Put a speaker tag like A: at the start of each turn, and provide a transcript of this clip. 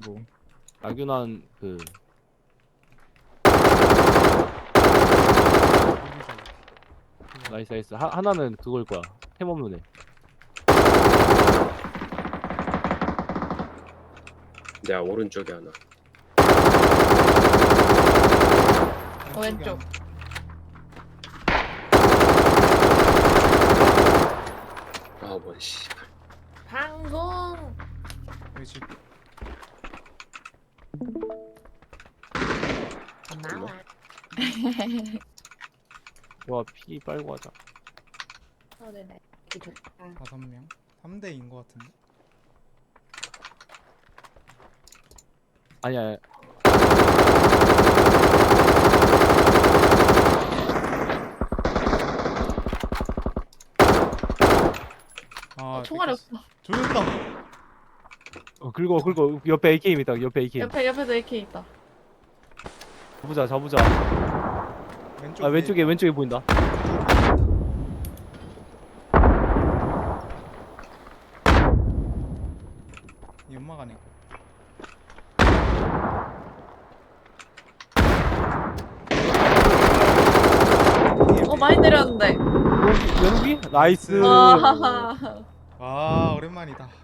A: 뭐
B: 나균한 그 나이스 나이스 하나는 그걸 거야. 템 없는 애.
C: 내가 오른쪽에 하나.
D: 왼쪽.
C: 아, 뭔 씨발.
D: 방송.
A: 여기 집
D: 나와.
B: 와 피 빨고 하자.
D: 네네. 좋다.
A: 5명 3대인 것 같은데.
B: 아니야.
A: 아
D: 총알이 없어.
A: 조졌다.
B: 긁어 옆에 AKM 있다. 옆에 AKM.
D: 옆에도 AK 있다.
B: 잡으자.
A: 왼쪽
B: 아 왼쪽에 보인다.
A: 연막 안에.
D: 많이 때렸는데.
B: 연기? 나이스.
D: 와.
A: 아 오랜만이다.